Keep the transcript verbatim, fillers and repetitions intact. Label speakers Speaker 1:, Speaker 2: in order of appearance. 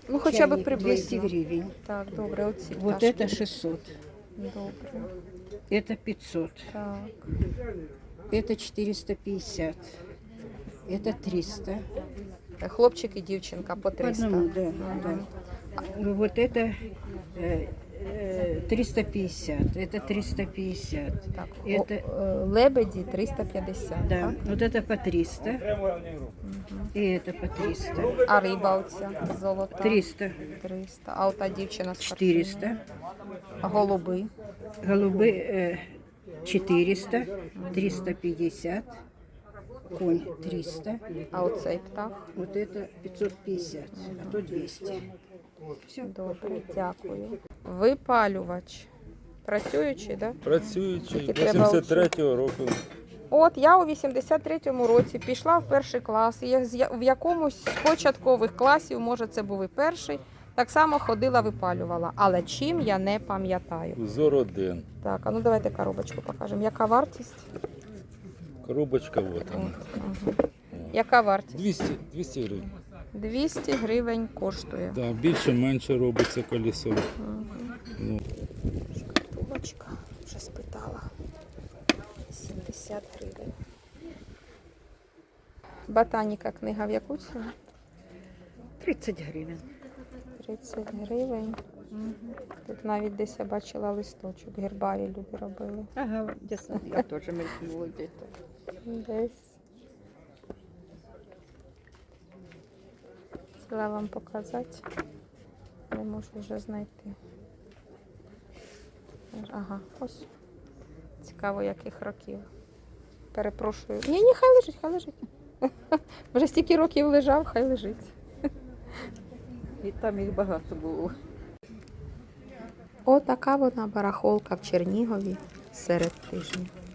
Speaker 1: Ну, хоча б
Speaker 2: Чайник
Speaker 1: приблизно.
Speaker 2: двести гривен.
Speaker 1: Так, добре, оці
Speaker 2: Вот
Speaker 1: пташки.
Speaker 2: это шестьсот.
Speaker 1: Добре.
Speaker 2: Это пятьсот.
Speaker 1: Так.
Speaker 2: Это четыреста пятьдесят. Это триста.
Speaker 1: Хлопчик і дівчинка по
Speaker 2: По
Speaker 1: триста.
Speaker 2: одному, да, да. Вот это э, э, триста пятьдесят. Это триста пятьдесят.
Speaker 1: Так,
Speaker 2: Это,
Speaker 1: о, е, лебеді триста п'ятдесят.
Speaker 2: да,
Speaker 1: Так?
Speaker 2: вот это по триста. И это по триста.
Speaker 1: А риба оця золота?
Speaker 2: триста.
Speaker 1: триста. А ота дівчина з
Speaker 2: четыреста.
Speaker 1: картиною? А голуби?
Speaker 2: Голубы э, четыреста. триста пятьдесят. Конь триста.
Speaker 1: А оцей птах?
Speaker 2: Вот это пятьсот пятьдесят. А то двести. Все.
Speaker 1: Добре, дякую. Випалювач. Працюючий, так? Да?
Speaker 3: Працюючий,
Speaker 1: Тільки треба
Speaker 3: вісімдесят третього року.
Speaker 1: От я у вісімдесят третьому році пішла в перший клас, і я з я- в якомусь з початкових класів, може це був і перший, так само ходила, випалювала. Але чим я не пам'ятаю.
Speaker 3: Узор один.
Speaker 1: Так, а ну давайте коробочку покажемо. Яка вартість?
Speaker 3: Коробочка вот
Speaker 1: От,
Speaker 3: вона.
Speaker 1: ага. Яка вартість?
Speaker 3: двісті, двісті гривень.
Speaker 1: двісті гривень коштує.
Speaker 3: Да, більше-менше робиться колесо. Ну,
Speaker 1: Шкатулочка, вже спитала. сімдесят гривень. Ботаніка книга в яку ціну?
Speaker 2: тридцать гривен.
Speaker 1: тридцять гривень. Тут навіть десь я бачила листочок. Гербарій люди робили.
Speaker 2: Ага, дійсно, я тоже мелькнула где-то.
Speaker 1: Десь. Хотіла вам показати. Не можу вже знайти. Ага, ось. Цікаво, яких років. Перепрошую. Ні, ні, хай лежить, хай лежить. Вже стільки років лежав, хай лежить.
Speaker 2: І там їх багато було.
Speaker 1: Отака вона барахолка в Чернігові серед тижня.